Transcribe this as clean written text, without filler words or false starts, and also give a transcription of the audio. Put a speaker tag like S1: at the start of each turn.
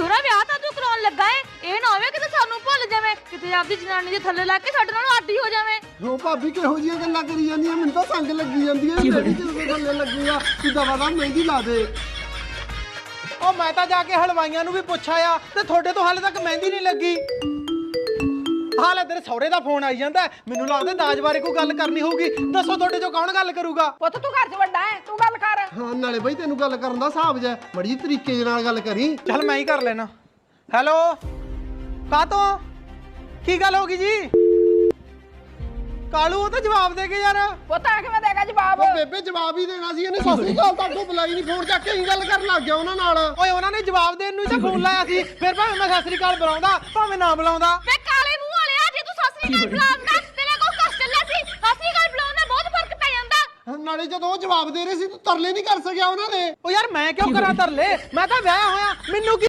S1: ਛੋਰਾ ਵਿਆਹ ਤਾਂ ਤੂੰ ਕਰਾਉਣ ਲੱਗਾ ਏ, ਇਹ ਨਾ ਹੋਵੇ ਕਿਤੇ ਸਾਨੂੰ ਭੁੱਲ ਜਾਵੇਂ, ਕਿਤੇ ਆਪਦੀ ਜਨਾਨੀ ਦੇ ਥੱਲੇ ਲੱਗ ਕੇ ਸਾਡੇ ਨਾਲ ਆਡੀ ਹੋ ਜਾਵੇਂ।
S2: ਹੋ ਭਾਬੀ ਕਿਹੋ ਜੀਆਂ ਗੱਲਾਂ ਕਰੀ ਜਾਂਦੀਆਂ, ਮੈਨੂੰ ਤਾਂ ਸੰਗ ਲੱਗੀ ਜਾਂਦੀ ਹੈ। ਮੇਰੀ ਕਿਸ ਗੱਲੇ ਲੱਗੀ ਆ, ਤੂੰ ਦਵਾ ਦਾ ਮਹਿੰਦੀ ਲਾ ਦੇ।
S3: ਉਹ ਮੈਂ ਤਾਂ ਜਾ ਕੇ ਹਲਵਾਈਆਂ ਨੂੰ ਵੀ ਪੁੱਛ ਆਇਆ ਤੇ ਤੁਹਾਡੇ ਤੋਂ ਹਾਲੇ ਤੱਕ ਮਹਿੰਦੀ ਨਹੀਂ ਲੱਗੀ। ਹਾਲੇ ਤੇਰੇ ਸਹੁਰੇ ਦਾ ਫੋਨ ਆਈ ਜਾਂਦਾ, ਮੈਨੂੰ ਲੱਗਦਾ ਦਾਜ ਬਾਰੇ ਕੋਈ ਗੱਲ ਕਰਨੀ ਹੋਊਗੀ। ਦੱਸੋ ਤੁਹਾਡੇ ਚੋਂ ਕੌਣ ਗੱਲ ਕਰੂਗਾ?
S4: ਪੁੱਤ ਤੂੰ ਘਰ 'ਚ ਵੱਡਾ ਹੈ, ਤੂੰ ਗੱਲ ਕਰ।
S2: ਹਾਂ ਨਾਲੇ ਬਈ ਤੈਨੂੰ ਗੱਲ ਕਰਨ ਦਾ ਹਿਸਾਬ ਜਾ, ਬੜੀ ਤਰੀਕੇ ਨਾਲ ਗੱਲ ਕਰੀ।
S3: ਚੱਲ ਮੈਂ ਹੀ ਕਰ ਲੈਣਾ। ਹੈਲੋ, ਕਾਤੋਂ ਕੀ ਗੱਲ ਹੋ ਗਈ ਜੀ? ਕਾਲੂ ਉਹ ਤਾਂ ਜਵਾਬ ਦੇ ਕੇ ਯਾਰ।
S4: ਪੁੱਤ ਆ ਕਿਵੇਂ ਦੇਗਾ ਜਵਾਬ?
S2: ਉਹ ਬੇਬੇ ਜਵਾਬ ਹੀ ਦੇਣਾ ਸੀ, ਇਹਨੇ ਸਤਿ ਸ੍ਰੀ ਅਕਾਲ ਤਾਂ ਅੱਗੋਂ ਬੁਲਾਈ ਨਹੀਂ, ਫੋਨ ਚੱਕ ਕੇ ਹੀ ਗੱਲ ਕਰਨ ਲੱਗ ਗਿਆ ਉਹਨਾਂ ਨਾਲ।
S3: ਓਏ ਉਹਨਾਂ ਨੇ ਜਵਾਬ ਦੇਣ ਨੂੰ ਹੀ ਤਾਂ ਫੋਨ ਲਾਇਆ ਸੀ, ਫਿਰ ਭਾਵੇਂ ਮੈਂ ਸਤਿ ਸ੍ਰੀ ਅਕਾਲ ਬੁਲਾਉਂਦਾ ਭਾਵੇਂ ਨਾ ਬੁਲਾਉਂਦਾ।
S1: ਵੇ ਕਾਲੇ ਮੂੰਹ ਵਾਲਿਆ, ਜੇ ਤੂੰ ਸਤਿ ਸ੍ਰੀ ਅਕਾਲ ਬੁਲਾਉਂਦਾ ਤੇਰੇ ਕੋਲ ਕਸ਼ਟ ਚੱਲਿਆ ਸੀ, ਸਤਿ ਸ੍ਰੀ ਅਕਾਲ ਬੁਲਾਉਣ ਨਾਲ ਬਹੁਤ ਫਰਕ ਪੈ ਜਾਂਦਾ।
S2: ਨਾਲੇ ਜਦੋਂ ਉਹ ਜਵਾਬ ਦੇ ਰਹੇ ਸੀ ਤੂੰ ਤਰਲੇ ਨਹੀਂ ਕਰ ਸਕਿਆ ਉਹਨਾਂ ਦੇ।
S3: ਓ ਯਾਰ ਮੈਂ ਕਿਉਂ ਕਰਾਂ ਤਰਲੇ, ਮੈਂ ਤਾਂ ਵਿਆਹ ਹੋਇਆ, ਮੈਨੂੰ ਕੀ